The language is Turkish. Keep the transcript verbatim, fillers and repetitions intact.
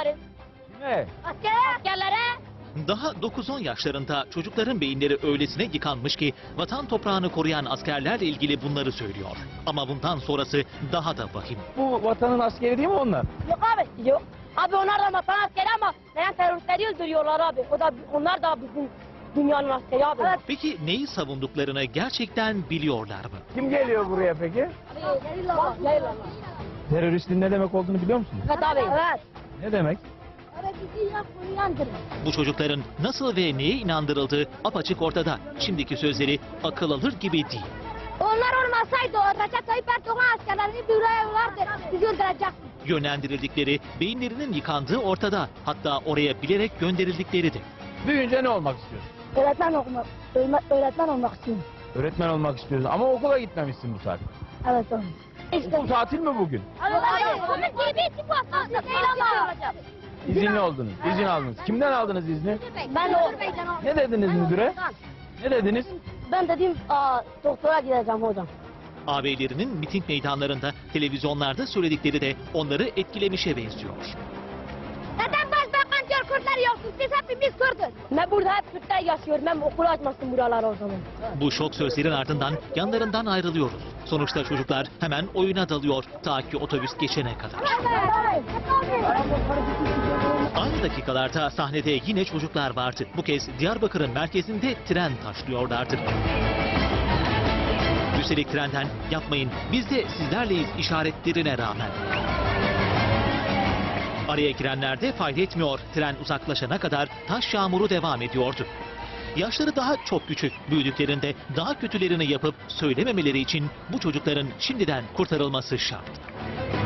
çağırın. Ne? Askere. Askerlere. Daha dokuz on yaşlarında çocukların beyinleri öylesine yıkanmış ki vatan toprağını koruyan askerlerle ilgili bunları söylüyor. Ama bundan sonrası daha da vahim. Bu vatanın askeri değil mi onlar? Yok abi yok. Abi onlar da vatan askeri ama neden teröristleri öldürüyorlar abi. O da onlar da bizim dünyanın askeri abi. Evet. Peki neyi savunduklarını gerçekten biliyorlar mı? Kim geliyor buraya peki? Teröristin ne demek olduğunu biliyor musunuz? Evet abi. Evet. Ne demek? Bu çocukların nasıl ve neye inandırıldığı apaçık ortada. Şimdiki sözleri akıl alır gibi değil. Onlar olmasaydı o Recep Tayyip Erdoğan askerlerini buraya yollardı. Bizi öldürecekti. Yönlendirildikleri, beyinlerinin yıkandığı ortada. Hatta oraya bilerek gönderildikleri de. Büyüyünce ne olmak istiyorsun? Öğretmen okumak, öğretmen olmak istiyorum. Öğretmen olmak istiyorsun ama okula gitmemişsin bu saat. Evet abi. Okul tatil mi bugün? Evet abi. Onun gibi için bu aslında değil ama. İzinli oldunuz, izin aldınız. Kimden aldınız izni? Ben o. Ne dediniz müdüre? Ne dediniz? Ben dedim aa, doktora gideceğim hocam. Ağabeylerinin miting meydanlarında, televizyonlarda söyledikleri de onları etkilemişe benziyor. Neden başbakan diyor Kürtler yoksun? Biz hepimiz Kürt'üz. Ben burada hep Kürtler yaşıyorum. Ben okulu açmasın buralar o zaman. Bu şok sözlerin ardından yanlarından ayrılıyoruz. Sonuçta çocuklar hemen oyuna dalıyor ta ki otobüs geçene kadar. Aynı dakikalarda sahnede yine çocuklar vardı. Bu kez Diyarbakır'ın merkezinde tren taşlıyorlardı. Üstelik trenden yapmayın biz de sizlerleyiz işaretlerine rağmen. Araya girenler de fayda etmiyor. Tren uzaklaşana kadar taş yağmuru devam ediyordu. Yaşları daha çok küçük, büyüdüklerinde daha kötülerini yapıp söylememeleri için bu çocukların şimdiden kurtarılması şart.